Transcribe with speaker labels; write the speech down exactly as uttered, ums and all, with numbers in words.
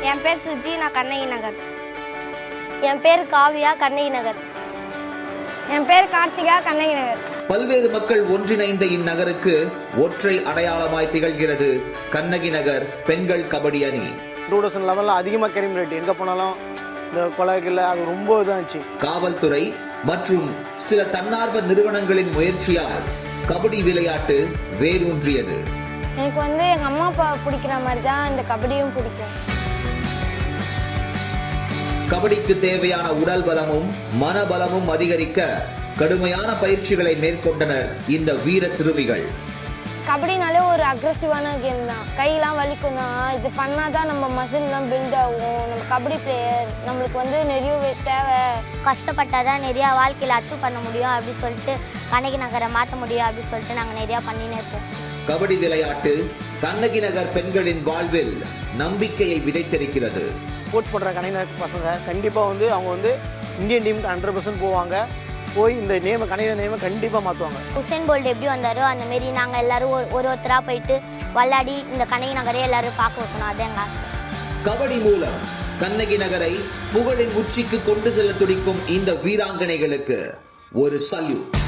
Speaker 1: என் பேர் சுஜி, நான் கண்ணகி நகர்.
Speaker 2: என் பேர் காவியா, கண்ணகி நகர்.
Speaker 1: என் பேர் கார்த்திகா, கண்ணகி நகர்.
Speaker 3: பல்வேறு மக்கள் ஒன்றிணைந்த இந்நகருக்கு ஒற்றை அடையாளமாய் திகழ்கிறது கண்ணகி நகர் பெண்கள் கபடி அணி.
Speaker 4: டூ தௌசண்ட் லெவனில் அதிகமாக கிரைம் ரேட், எங்கே போனாலும் இந்த கொலைகள் அது ரொம்ப இதாச்சு.
Speaker 3: காவல்துறை மற்றும் சில தன்னார்வ நிறுவனங்களின் முயற்சியால் கபடி விளையாட்டு வேரூன்றியது.
Speaker 1: எனக்கு வந்து எங்கள் அம்மா அப்பா பிடிக்கிற மாதிரி தான் இந்த கபடியும் பிடிக்கும்.
Speaker 3: கபடிக்கு தேவையான உடல் பலமும் மனபலமும் அதிகரிக்க கடுமையான பயிற்சிகளை மேற்கொண்டனர் இந்த வீர சிறுமிகள்.
Speaker 1: கபடினாலே ஒரு அக்ரெசிவான கேம் தான். கையெல்லாம் வலிக்கும் தான். இது பண்ணாதான் நம்ம மசில்லாம் பில்ட் ஆகும். நம்ம கபடி பிளேயர் நம்மளுக்கு வந்து நிறைய தேவை.
Speaker 2: கஷ்டப்பட்டாதான் நிறையா வாழ்க்கையில் அச்சீவ் பண்ண முடியும் அப்படின்னு சொல்லிட்டு கண்ணகி நகரை மாற்ற முடியும் அப்படின்னு சொல்லிட்டு நாங்கள் நிறையா பண்ணினே இருப்போம்.
Speaker 3: கபடி விளையாட்டு கண்ணகி நகர் பெண்களின் வாழ்வில் நம்பிக்கையை விதைத்திருக்கிறது.
Speaker 4: ஸ்போர்ட்ஸ் பண்ணுற கண்ணகி நகர் பசங்க கண்டிப்பாக வந்து அவங்க வந்து இந்தியன் டீமுக்கு ஹண்ட்ரட் பர்சன்ட் போவாங்க. போய் இந்த நேமை கண்ணகி நேமை கண்டிப்பாக மாற்றுவாங்க.
Speaker 2: உசேன் போல்ட் எப்படி வந்தாரோ அந்த மாரி நாங்கள் எல்லாரும் ஒரு ஒருத்தராக போயிட்டு விளையாடி இந்த கண்ணகி நகரே எல்லாரும் பார்க்க வைக்கணும். அது எங்கள் ஆசை.
Speaker 3: கபடி மூலம் கண்ணகி நகரை புகழின் உச்சிக்கு கொண்டு செல்ல துடிக்கும் இந்த வீராங்கனைகளுக்கு ஒரு சல்யூட்.